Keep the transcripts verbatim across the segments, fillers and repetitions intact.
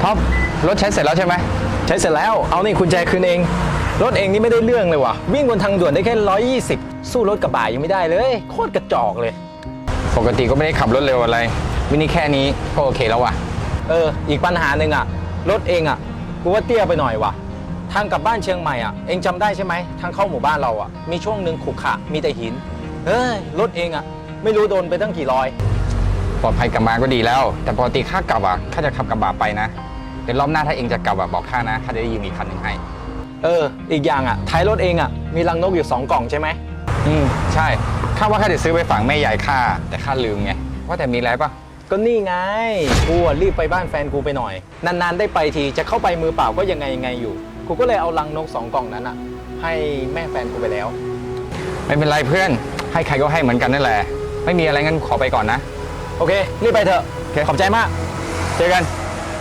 ท็อปรถใช้เสร็จแล้วใช่ไหมใช้เสร็จแล้วเอานี่กุญแจคืนเองรถเองนี่ไม่ได้เรื่องเลยว่ะวิ่งบนทางด่วนได้แค่ร้อยยี่สิบสู้รถกระบะยังไม่ได้เลยโคตรกระจอกเลยปกติก็ไม่ได้ขับรถเร็วอะไรวินี่แค่นี้ก็โอเคแล้วว่ะเอออีกปัญหาหนึ่งอ่ะรถเองอ่ะกูว่าเตี้ยไปหน่อยว่ะทางกลับบ้านเชียงใหม่อ่ะเองจำได้ใช่ไหมทางเข้าหมู่บ้านเราอ่ะมีช่วงหนึ่งขรุขระมีแต่หินเฮ้ยรถเองอ่ะไม่รู้โดนไปตั้งกี่รอยปลอดภัยกลับมาก็ดีแล้วแต่ปกติข้ากลับอ่ะข้าจะขับกระบะไปนะเดี๋ยวรอบหน้าถ้าเองจะกลับอ่ะบอกข้านะข้าจะได้ยืมอีกคันหนึ่งให้เอออีกอย่างอ่ะท้ายรถเองอ่ะมีรังนกอยู่สองกล่องใช่ไหมอืมใช่ข้าว่าข้าจะซื้อไปฝังแม่ยายข้าแต่ข้าลืมไงว่าแต่มีอะไรปะก็นี่ไงกูรีบไปบ้านแฟนกูไปหน่อยนานๆได้ไปทีจะเข้าไปมือเปล่าก็ยังไงยังไงอยู่กูก็เลยเอารังนกสองกล่องนั้นอ่ะให้แม่แฟนกูไปแล้วไม่เป็นไรเพื่อนให้ใครก็ให้เหมือนกันนั่นแหละไม่มีอะไรงั้นขอไปก่อนนะโอเครีบไปเถอะขอบใจมากเจอกัน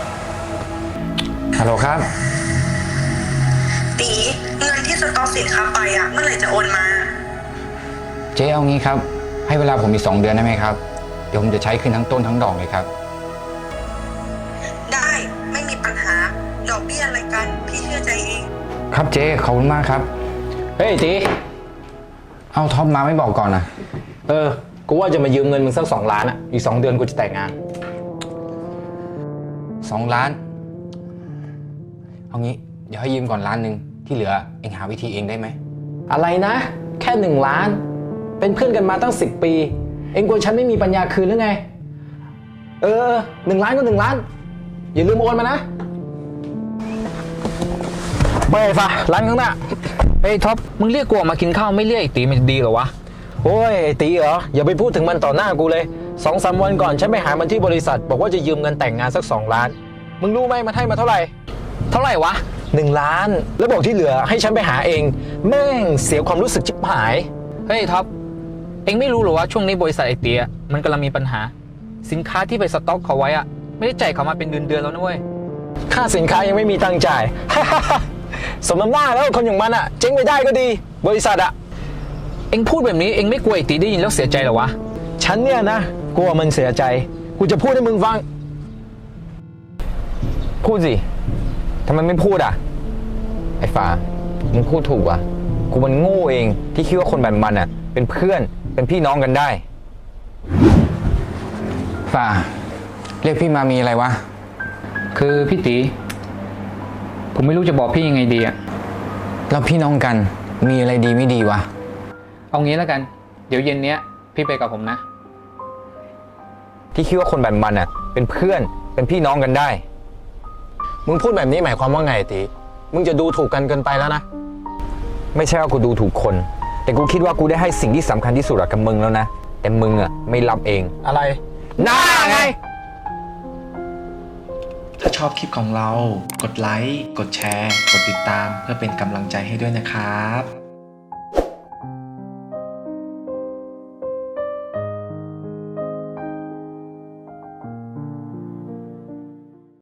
ฮัลโหลครับตีเงินที่สต็อกสินค้าไปอ่ะเมื่อไหร่จะโอนมาเจ๊เอางี้ครับให้เวลาผมอีกสองเดือนได้ไหมครับเดี๋ยวผมจะใช้คืนทั้งต้นทั้งดอกเลยครับได้ไม่มีปัญหาดอกเบี้ยอะไรกันพี่เชื่อใจเองครับเจ๊ขอบคุณมากครับเฮ้ยตีเอาท็อปมาไม่บอกก่อนนะเออกูว่าจะมายืมเงินมึงสักสองล้านอ่ะอีกสองเดือนกูจะแต่งงานสองล้านเอางี้เดี๋ยวให้ยืมก่อนล้านหนึ่งที่เหลือเองหาวิธีเองได้ไหมอะไรนะแค่หนึ่งล้านเป็นเพื่อนกันมาตั้งสิบปีเองกลัวฉันไม่มีปัญญาคืนหรือไงเออหนึ่งล้านก็หนึ่งล้านอย่าลืมโอนมานะไปฟะร้านข้างหน้าเฮ้ยท็อปมึงเรียกกูออกมากินข้าวไม่เรียกไอ้ตีมันจะดีเหรอวะโอ้ยไอ้ตีเหรออย่าไปพูดถึงมันต่อหน้ากูเลยสองสามวันก่อนฉันไปหามันที่บริษัทบอกว่าจะยืมเงินแต่งงานสักสองล้านมึงรู้ไหมมันให้มาเท่าไหร่เท่าไหร่วะหนึ่งล้านแล้วบอกที่เหลือให้ฉันไปหาเองแม่งเสียความรู้สึกชิบหายเฮ้ยท็อปเองไม่รู้หรอว่าช่วงนี้บริษัทไอเตียมันกำลังมีปัญหาสินค้าที่ไปสต็อกเขาไว้อะไม่ได้จ่ายเขามาเป็นเดือนๆแล้วนะเว้ยค่าสินค้ายังไม่มีตังค์จ่าย สมน้ำหน้าแล้วคนอย่างมันอะเจ๊งไปได้ก็ดีบริษัทอะเองพูดแบบนี้เองไม่กลัวไอตีได้ยินแล้วเสียใจหรอวะฉันเนี่ยนะกลัวมันเสียใจกูจะพูดให้มึงฟังพูดสิทำไมไม่พูดอ่ะไอ้ฟ้ามึงพูดถูกอ่ะกูมันโง่เองที่คิดว่าคนแบบมันอ่ะเป็นเพื่อนเป็นพี่น้องกันได้ฟ้าเรียกพี่มามีอะไรวะคือพี่ตีผมไม่รู้จะบอกพี่ยังไงดีอ่ะเราพี่น้องกันมีอะไรดีไม่ดีวะเอางี้แล้วกันเดี๋ยวเย็นเนี้ยพี่ไปกับผมนะที่คิดว่าคนแบบมันอ่ะเป็นเพื่อนเป็นพี่น้องกันได้มึงพูดแบบนี้หมายความว่าไงตีมึงจะดูถูกกันเกินไปแล้วนะไม่ใช่ว่ากูดูถูกคนแต่กูคิดว่ากูได้ให้สิ่งที่สำคัญที่สุดกับมึงแล้วนะแต่มึงอ่ะไม่รับเองอะไรหน้าไงถ้าชอบคลิปของเรากดไลค์กดแชร์กดติดตามเพื่อเป็นกำลังใจให้ด้วยนะครับ